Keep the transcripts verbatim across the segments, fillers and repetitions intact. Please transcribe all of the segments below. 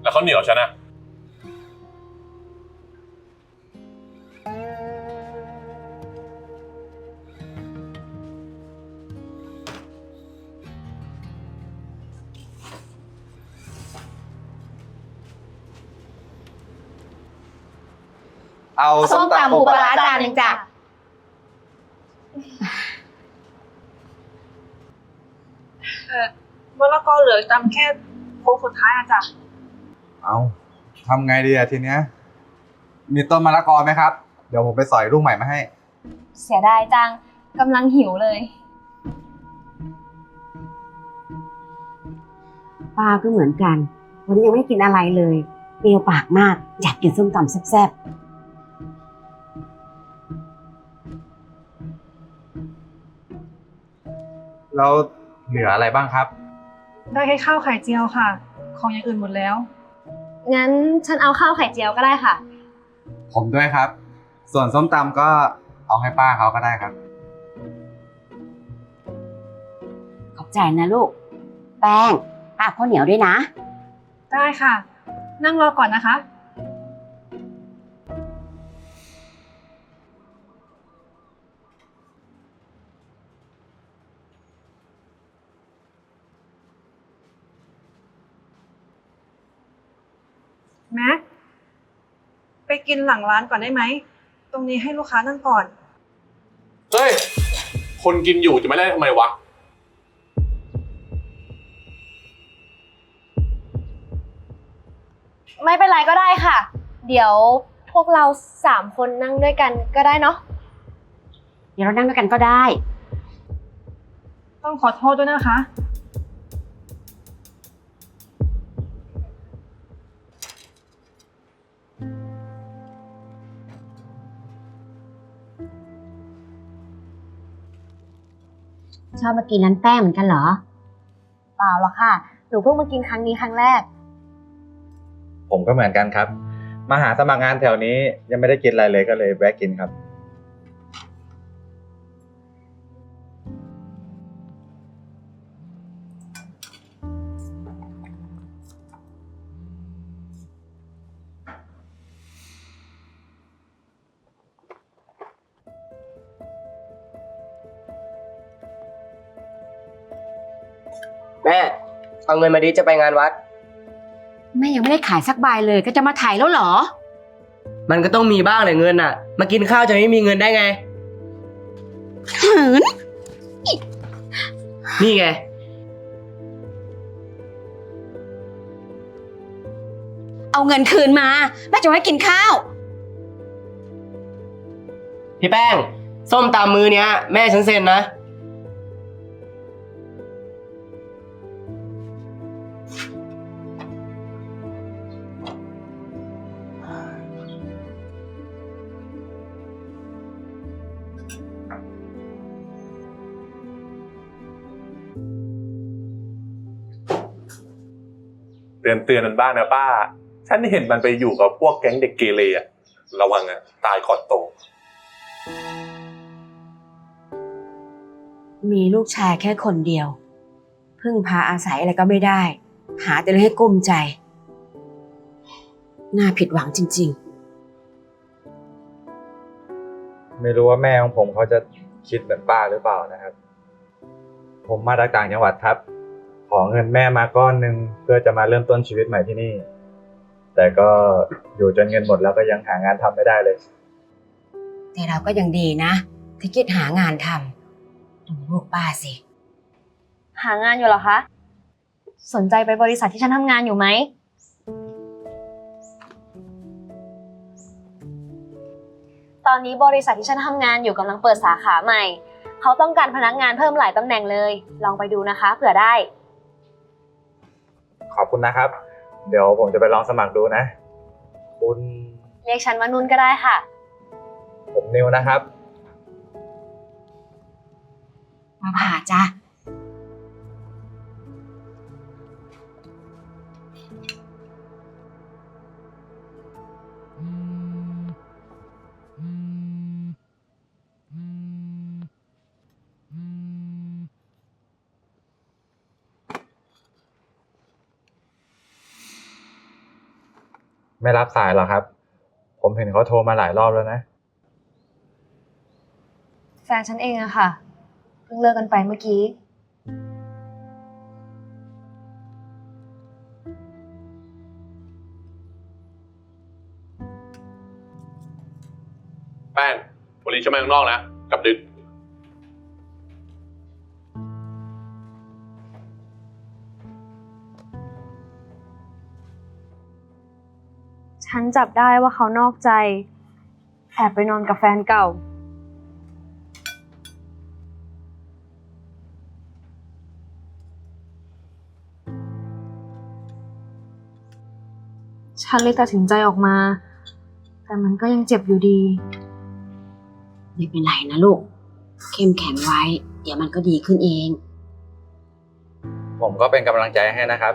แล้วเขาเหนียวฉันนะเอาส้มตำปูปลาร้าจานหนึ่งจ้ะเออมะละกอเหลือจำแค่โค้งสุดท้ายอะจ้ะเอาทำไงดีอะทีเนี้ยมีต้นมะละกอไหมครับเดี๋ยวผมไปสอยลูกใหม่มาให้เสียดายจังกำลังหิวเลยป้าก็เหมือนกันวันนี้ยังไม่กินอะไรเลยเปรี้ยวปากมากอยากกินส้มตำแซ่บๆแล้วเหลืออะไรบ้างครับได้แค่ข้าวไข่เจียวค่ะของอย่างอื่นหมดแล้วงั้นฉันเอาข้าวไข่เจียวก็ได้ค่ะผมด้วยครับส่วนส้มตำก็เอาให้ป้าเขาก็ได้ครับขอบใจนะลูกแป้งป้าข้าวเหนียวด้วยนะได้ค่ะนั่งรอก่อนนะคะแม็กไปกินหลังร้านก่อนได้ไหมตรงนี้ให้ลูกค้านั่งก่อนเฮ้ยคนกินอยู่จะไม่ได้ทำไมวะไม่เป็นไรก็ได้ค่ะเดี๋ยวพวกเราสามคนนั่งด้วยกันก็ได้เนาะเดี๋ยวเรานั่งด้วยกันก็ได้ต้องขอโทษด้วยนะคะชอบมากินร้านแป้งเหมือนกันเหรอเปล่าหรอกค่ะหนูเพิ่งมากินครั้งนี้ครั้งแรกผมก็เหมือนกันครับมาหาสมัครงานแถวนี้ยังไม่ได้กินอะไรเลยก็เลยแวะกินครับแม่เอาเงินมาดิจะไปงานวัดแม่ยังไม่ได้ขายสักใบเลยก็จะมาถ่ายแล้วเหรอมันก็ต้องมีบ้างแหละเงินน่ะมากินข้าวจะไม่มีเงินได้ไงหืนนี่ไงเอาเงินคืนมาแม่จะให้กินข้าวพี่แป้งส้มตำมือเนี้ยแม่ฉันเซ็นนะเตือนเตือนมันบ้างนะป้าฉันเห็นมันไปอยู่กับพวกแก๊งเด็กเกเรอะระวังอะตายก่อนโตมีลูกชายแค่คนเดียวพึ่งพาอาศัยอะไรก็ไม่ได้หาแต่เรื่องให้กุ้มใจน่าผิดหวังจริงๆไม่รู้ว่าแม่ของผมเขาจะคิดเหมือนป้าหรือเปล่านะครับผมมาจากต่างจังหวัดครับขอเงินแม่มาก้อนหนึ่งเพื่อจะมาเริ่มต้นชีวิตใหม่ที่นี่แต่ก็อยู่จนเงินหมดแล้วก็ยังหางานทำไม่ได้เลยแต่เราก็ยังดีนะที่คิดหางานทำดูลูกป้าสิหางานอยู่เหรอคะสนใจไปบริษัทที่ฉันทำงานอยู่ไหมตอนนี้บริษัทที่ฉันทำงานอยู่กำลังเปิดสาขาใหม่เขาต้องการพนักงานเพิ่มหลายตำแหน่งเลยลองไปดูนะคะเผื่อได้ขอบคุณนะครับเดี๋ยวผมจะไปลองสมัครดูนะคุณเรียกฉันว่านุ่นก็ได้ค่ะผมนิวนะครับมาผ่าจ้ะไม่รับสายหรอครับ ผมเห็นเขาโทรมาหลายรอบแล้วนะแฟนฉันเองอะค่ะ เพิ่งเลิกกันไปเมื่อกี้แป้งวันนี้ฉันมาข้างนอกนะกลับดึกฉันจับได้ว่าเขานอกใจ แอบไปนอนกับแฟนเก่า ฉันเลยตัดสินใจออกมา แต่มันก็ยังเจ็บอยู่ดีไม่เป็นไรนะลูก เข้มแข็งไว้ เดี๋ยวมันก็ดีขึ้นเองผมก็เป็นกำลังใจให้นะครับ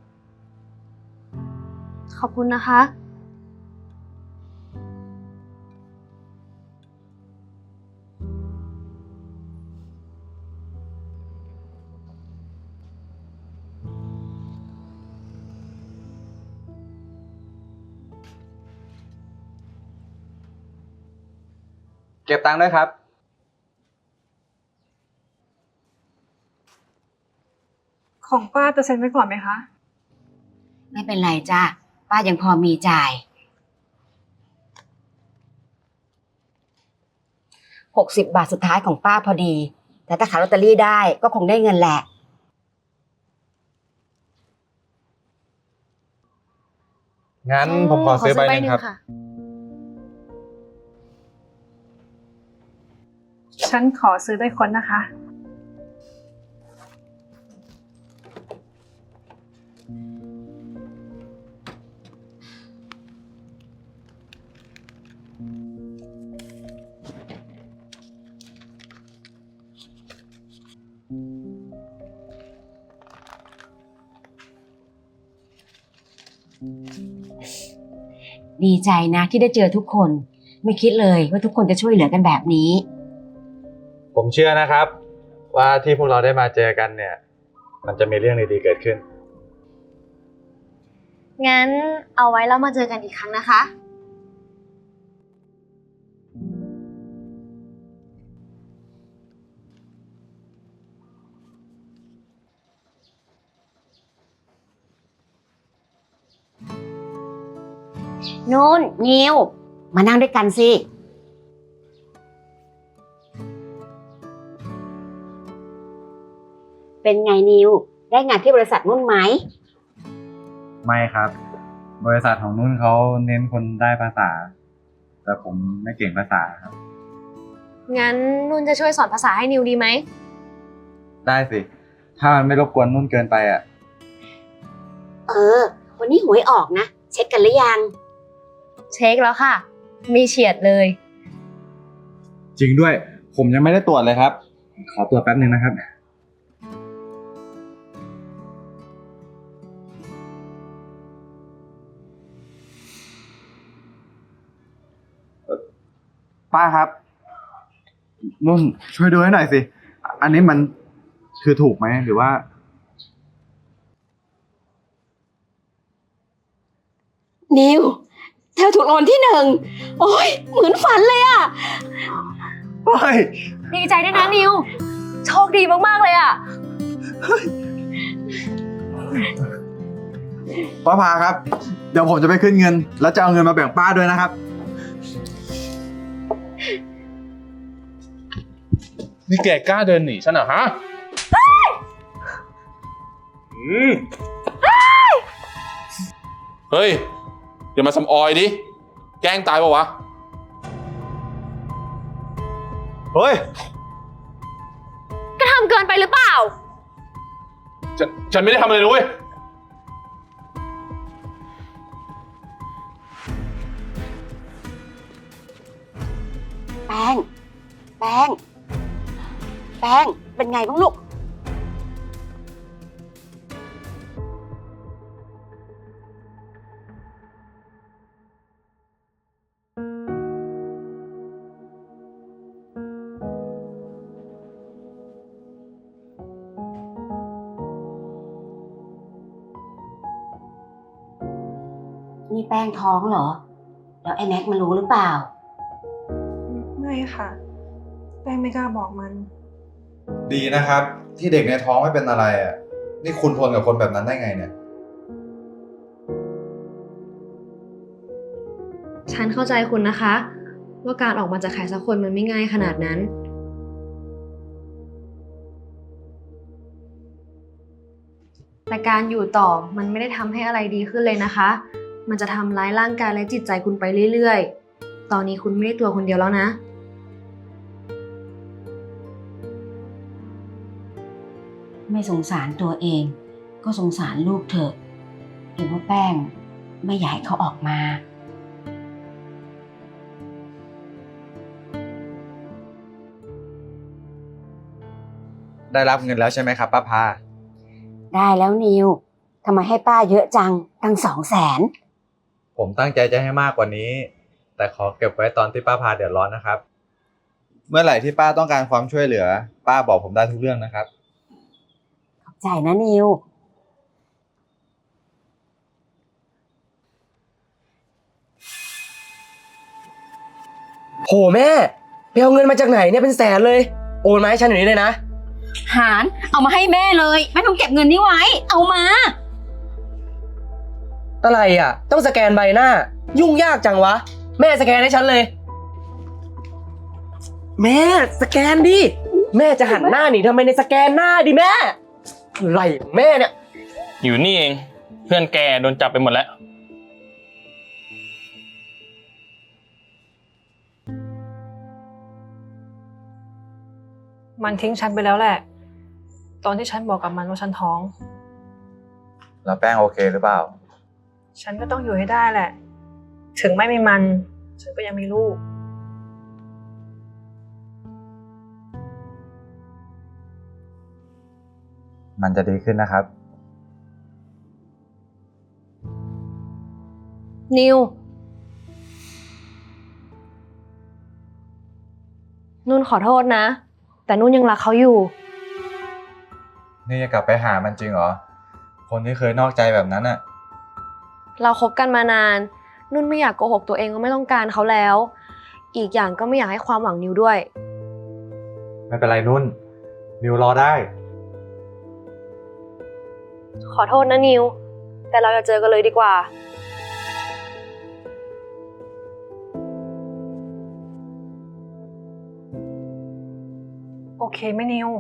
ขอบคุณนะคะเก็บตังค์ด้วยครับของป้าจะเซ็นไว้ก่อนไหมคะไม่เป็นไรจ้าป้ายังพอมีจ่าย หกสิบบาทสุดท้ายของป้าพอดี แต่ถ้าขายลอตเตอรี่ได้ก็คงได้เงินแหละงั้นผมขอซื้อใบหนึ่งครับค่ะฉันขอซื้อด้วยคนนะคะดีใจนะที่ได้เจอทุกคน ไม่คิดเลยว่าทุกคนจะช่วยเหลือกันแบบนี้ผมเชื่อนะครับ ว่าที่พวกเราได้มาเจอกันเนี่ย มันจะมีเรื่องดีๆเกิดขึ้นงั้นเอาไว้แล้วมาเจอกันอีกครั้งนะคะนู่นนิวมานั่งด้วยกันสิ เป็นไงนิว ได้งานที่บริษัทนุ่นไหมไม่ครับ บริษัทของนุ่นเขาเน้นคนได้ภาษา แต่ผมไม่เก่งภาษาครับงั้นนุ่นจะช่วยสอนภาษาให้นิวดีไหมได้สิ ถ้ามันไม่รบกวนนุ่นเกินไปอ่ะเออ วันนี้หวยออกนะ เช็คกันหรือยังเช็คแล้วค่ะ มีเฉียดเลยจริงด้วย ผมยังไม่ได้ตรวจเลยครับ ขอตรวจแป๊บหนึ่งนะครับ ป้าครับ นุ่นช่วยดูให้หน่อยสิ อันนี้มันคือถูกไหมหรือว่านิวเธอถูกรางวัลที่หนึ่ง โอ้ยเหมือนฝันเลยอะเฮ้ยดีใจด้วยนะนิว โชคดีมากๆเลยอะป้าพาครับ เดี๋ยวผมจะไปขึ้นเงิน แล้วจะเอาเงินมาแบ่งป้าด้วยนะครับนี่แกกล้าเดินหนีฉันเหรอฮะอืมเฮ้ยอย่ามาสำออยดิ แกล้งตายปะวะเฮ้ยก็ทำเกินไปหรือเปล่าฉันฉันไม่ได้ทำอะไรเลยเว้ยแป้ง แป้ง แป้ง เป็นไงบ้างลูกนี่แป้งท้องเหรอ แล้วไอ้แน็กมันรู้หรือเปล่าไม่ค่ะ แป้งไม่กล้าบอกมันดีนะครับ ที่เด็กในท้องไม่เป็นอะไรอ่ะ นี่คุณทนกับคนแบบนั้นได้ไงเนี่ยฉันเข้าใจคุณนะคะ ว่าการออกมาจากใครสักคนมันไม่ง่ายขนาดนั้น แต่การอยู่ต่อมันไม่ได้ทำให้อะไรดีขึ้นเลยนะคะ มันจะทำร้ายร่างกายและจิตใจคุณไปเรื่อยๆ ตอนนี้คุณไม่ได้ตัวคนเดียวแล้วนะไม่สงสารตัวเอง ก็สงสารลูกเถอะหรือว่าแป้งไม่อยากให้เขาออกมาได้รับเงินแล้วใช่ไหมครับป้าพาได้แล้วนิวทำไมให้ป้าเยอะจังตั้งสองแสนผมตั้งใจจะให้มากกว่านี้ แต่ขอเก็บไว้ตอนที่ป้าพาเดือดร้อนนะครับ เมื่อไหร่ที่ป้าต้องการความช่วยเหลือ ป้าบอกผมได้ทุกเรื่องนะครับขอบใจนะนิวโหแม่ไปเอาเงินมาจากไหนเนี่ยเป็นแสนเลย โอนมาให้ฉันอย่างนี้เลยนะหารเอามาให้แม่เลยไม่ต้องเก็บเงินนี้ไว้ เอามาอะไรอ่ะ ต้องสแกนใบหน้า ยุ่งยากจังวะ แม่สแกนให้ฉันเลย แม่สแกนดิ แม่จะหันหน้าหนีทำไมในสแกนหน้าดิแม่อะไรของแม่เนี่ยอยู่นี่เอง เพื่อนแกโดนจับไปหมดแล้วมันทิ้งฉันไปแล้วแหละ ตอนที่ฉันบอกกับมันว่าฉันท้องแล้วแป้งโอเคหรือเปล่าฉันก็ต้องอยู่ให้ได้แหละ ถึงไม่มีมัน ฉันก็ยังมีลูกมันจะดีขึ้นนะครับนิว นุ่นขอโทษนะ แต่นุ่นยังรักเขาอยู่นี่จะกลับไปหามันจริงเหรอ คนที่เคยนอกใจแบบนั้นอะเราคบกันมานาน นุ่นไม่อยากโกหกตัวเองว่าไม่ต้องการเขาแล้ว อีกอย่างก็ไม่อยากให้ความหวังนิวด้วยไม่เป็นไรนุ่น นิวรอได้ขอโทษนะนิว แต่เราจะเจอกันเลยดีกว่าโอเคไหมนิว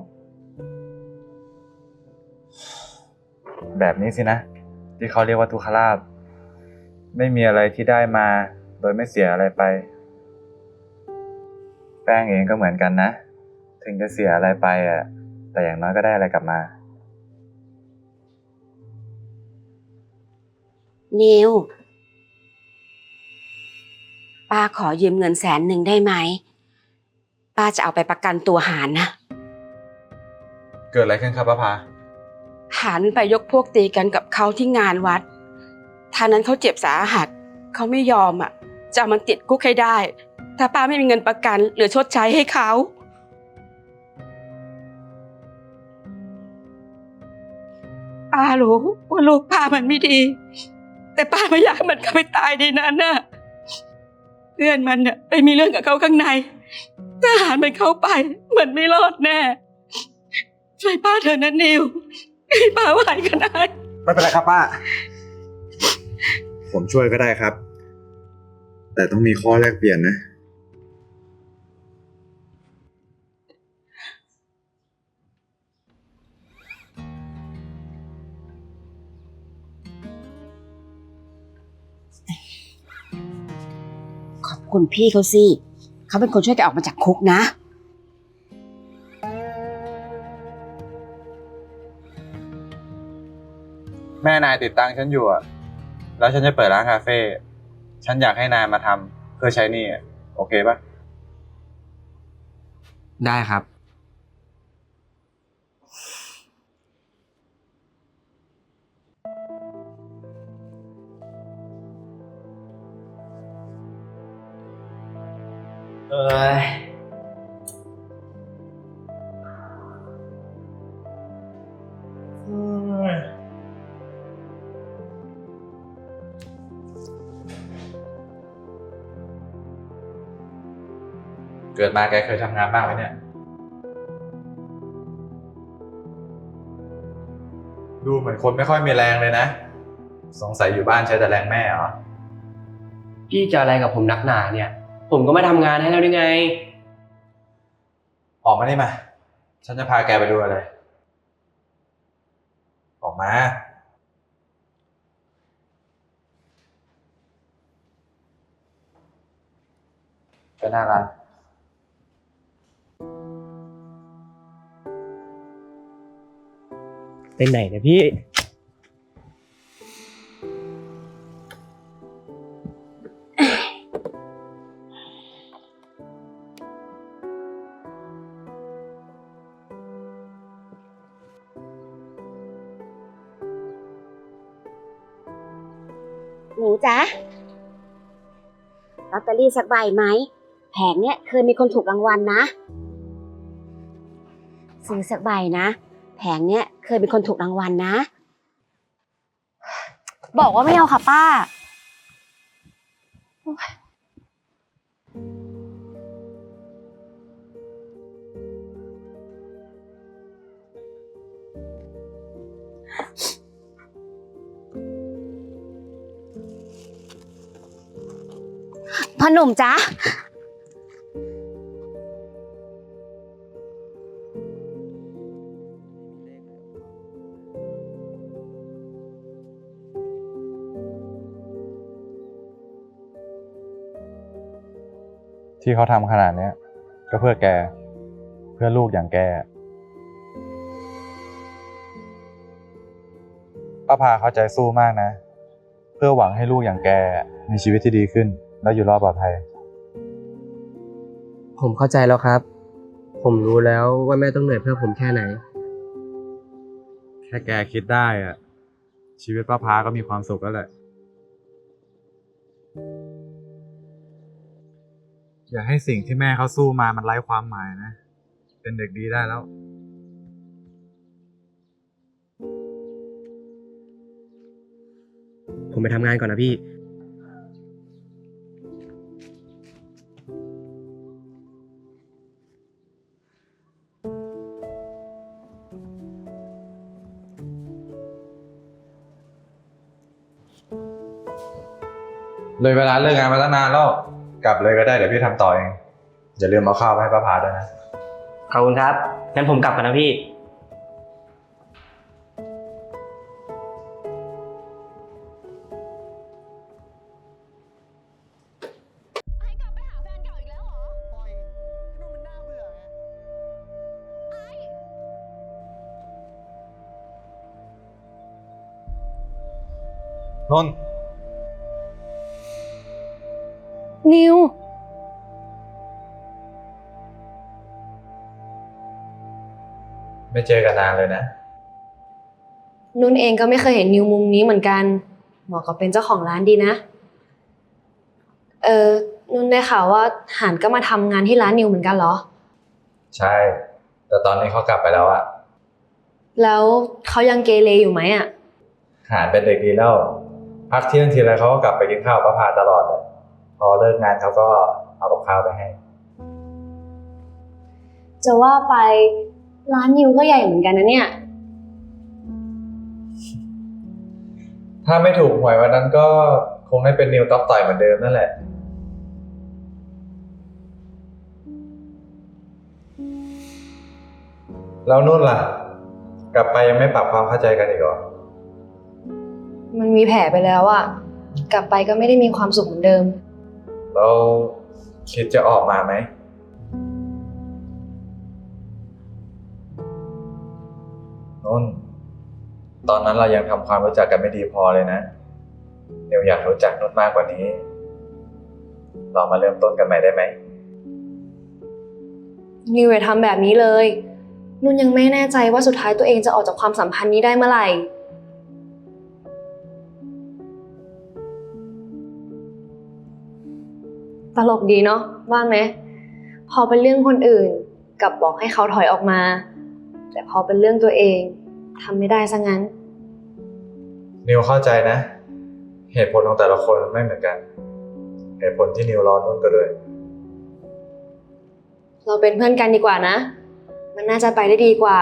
แบบนี้สินะ ที่เขาเรียกว่าทุกขลาภไม่มีอะไรที่ได้มา โดยไม่เสียอะไรไป แป้งเองก็เหมือนกันนะ ถึงจะเสียอะไรไปอ่ะ แต่อย่างน้อยก็ได้อะไรกลับมานิว ป้าขอยืมเงินแสนหนึ่งได้ไหม ป้าจะเอาไปประกันตัวหารนะเกิดอะไรขึ้นครับป้าพาหารไปยกพวกตีกันกับเขาที่งานวัดท่านั้นเขาเจ็บสาหัส เขาไม่ยอมอ่ะ จะเอามันติดคุกให้ได้ ถ้าป้าไม่มีเงินประกันหรือชดใช้ให้เขาป้ารู้ว่าลูกป้ามันไม่ดี แต่ป้าไม่อยากให้มันเข้าไปตายในนั้นน่ะเพื่อนมันเนี่ยไปมีเรื่องกับเขาข้างในทหารมันเข้าไปมันไม่รอดแน่ช่วยป้าเถอะนะนิวให้ป้าไหวก็ได้ไม่เป็นไรครับป้า ผมช่วยก็ได้ครับ แต่ต้องมีข้อแลกเปลี่ยนนะขอบคุณพี่เขาสิเขาเป็นคนช่วยแกออกมาจากคุกนะแม่นายติดตังฉันอยู่อะแล้วฉันจะเปิดร้านคาเฟ่ ฉันอยากให้นายมาทำเพื่อใช้หนี้อะโอเคปะได้ครับ เอ้ยเกิดมาแกเคยทำงานบ้างไหมเนี่ย ดูเหมือนคนไม่ค่อยมีแรงเลยนะ สงสัยอยู่บ้านใช้แต่แรงแม่เหรอพี่จะอะไรกับผมนักหนาเนี่ย ผมก็มาทำงานให้แล้วได้ไงออกมานี่มา ฉันจะพาแกไปดูอะไร ออกมาไปหน้าร้านไปไหนนะพี่หนูจ๊ะลอตเตอรี่สักใบไหมแผงเนี้ยเคยมีคนถูกรางวัลนะซื้อสักใบนะแผงเนี้ยเคยมีคนถูกรางวัลนะบอกว่าไม่เอาค่ะป้าพ่อหนุ่มจ๊ะที่เขาทำขนาดเนี้ยก็เพื่อแก เพื่อลูกอย่างแกป้าพาเขาใจสู้มากนะ เพื่อหวังให้ลูกอย่างแกมีชีวิตที่ดีขึ้น และอยู่รอดปลอดภัยผมเข้าใจแล้วครับ ผมรู้แล้วว่าแม่ต้องเหนื่อยเพื่อผมแค่ไหนแค่แกคิดได้อะชีวิตป้าพาก็มีความสุขแล้วแหละ อย่าให้สิ่งที่แม่เขาสู้มามันไร้ความหมายนะ เป็นเด็กดีได้แล้วผมไปทำงานก่อนนะพี่เลยเวลาเลิกงานมาตั้งนานแล้ว กลับเลยก็ได้เดี๋ยวพี่ทำต่อเอง อย่าลืมเอาข้าวไปให้ป้าพาด้วยนะขอบคุณครับ งั้นผมกลับกันนะพี่ให้กลับไปหาแฟนเก่าอีกแล้วเหรอปล่อยนู่นมันน่าเบื่อไงนนท์นิวไม่เจอกันนานเลยนะนุ่นเองก็ไม่เคยเห็นนิวมุมนี้เหมือนกันเหมาะกับเป็นเจ้าของร้านดีนะ เออนุ่นได้ข่าวว่าหานก็มาทำงานที่ร้านนิวเหมือนกันเหรอใช่ แต่ตอนนี้เขากลับไปแล้วอะแล้วเขายังเกเรอยู่ไหมอ่ะหารเป็นเด็กดีแล้ว พักเที่ยงทีไรเขาก็กลับไปกินข้าวป้าพาตลอดเลย พอเลิกงานเขาก็เอากับข้าวไปให้จะว่าไปร้านนิวก็ใหญ่เหมือนกันนะเนี่ยถ้าไม่ถูกหวยวันนั้นก็คงได้เป็นนิวต๊อกต่อยเหมือนเดิมนั่นแหละ แล้วนู่นล่ะ กลับไปยังไม่ปรับความเข้าใจกันอีกเหรอมันมีแผลไปแล้วอ่ะ กลับไปก็ไม่ได้มีความสุขเหมือนเดิมแล้วคิดจะออกมาไหมนุ่น ตอนนั้นเรายังทำความรู้จักกันไม่ดีพอเลยนะเดี๋ยวอยากรู้จักนุ่นมากกว่านี้ เรามาเริ่มต้นกันใหม่ได้ไหมนิวอย่าทำแบบนี้เลย นุ่นยังไม่แน่ใจว่าสุดท้ายตัวเองจะออกจากความสัมพันธ์นี้ได้เมื่อไหร่ ตลกดีเนาะว่าไหม พอเป็นเรื่องคนอื่นกลับบอกให้เขาถอยออกมา แต่พอเป็นเรื่องตัวเองทำไม่ได้ซะงั้นนิวเข้าใจนะ เหตุผลของแต่ละคนไม่เหมือนกัน เหตุผลที่นิวรอนุ่นก็ด้วยเราเป็นเพื่อนกันดีกว่านะ มันน่าจะไปได้ดีกว่า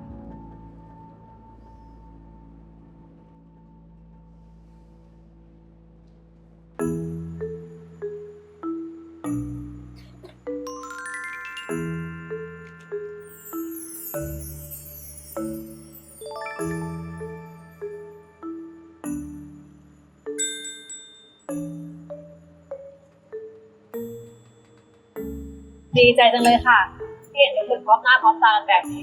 ดีใจจังเลยค่ะที่เห็นทุกคนพร้อมหน้าพร้อมตากันแบบนี้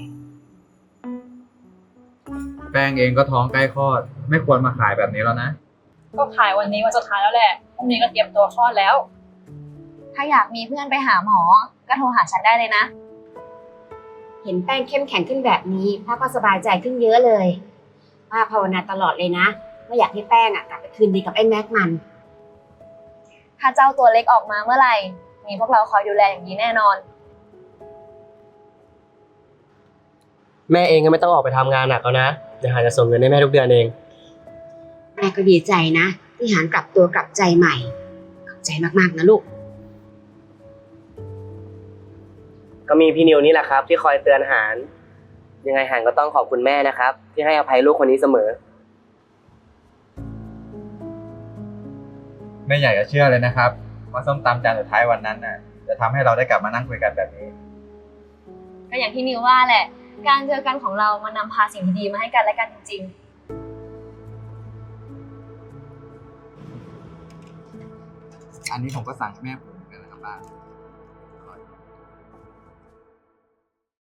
แป้งเองก็ท้องใกล้คลอด ไม่ควรมาขายแบบนี้แล้วนะก็ขายวันนี้วันสุดท้ายแล้วแหละพรุ่งนี้ก็เตรียมตัวคลอดแล้วถ้าอยากมีเพื่อนไปหาหมอ ก็โทรหาฉันได้เลยนะเห็นแป้งเข้มแข็งขึ้นแบบนี้ป้าก็สบายใจขึ้นเยอะเลยป้าภาวนาตลอดเลยนะว่าอยากให้แป้งอ่ะกลับไปคืนดีกับไอ้แม็กมันถ้าเจ้าตัวเล็กออกมาเมื่อไหร่ มีพวกเราคอยดูแลอย่างดีแน่นอนแม่เองก็ไม่ต้องออกไปทำงานหนักแล้วนะเดี๋ยวหาจะส่งเงินให้แม่ทุกเดือนเองแม่ก็ดีใจนะที่หานกลับตัวกลับใจใหม่ขอบใจมากๆนะลูกก็มีพี่นิวนี่แหละครับ ที่คอยเตือนหาน ยังไงหานก็ต้องขอบคุณแม่นะครับ ที่ให้อภัยลูกคนนี้เสมอไม่อยากจะเชื่อเลยนะครับว่าส้มตำจานสุดท้ายวันนั้นน่ะจะทำให้เราได้กลับมานั่งคุยกันแบบนี้ก็อย่างที่นิวว่าแหละ การเจอกันของเรามันนำพาสิ่งดีๆมาให้กันและกันจริงๆอันนี้ผมก็สั่งให้แม่ผมเหมือนกันนะครับป้า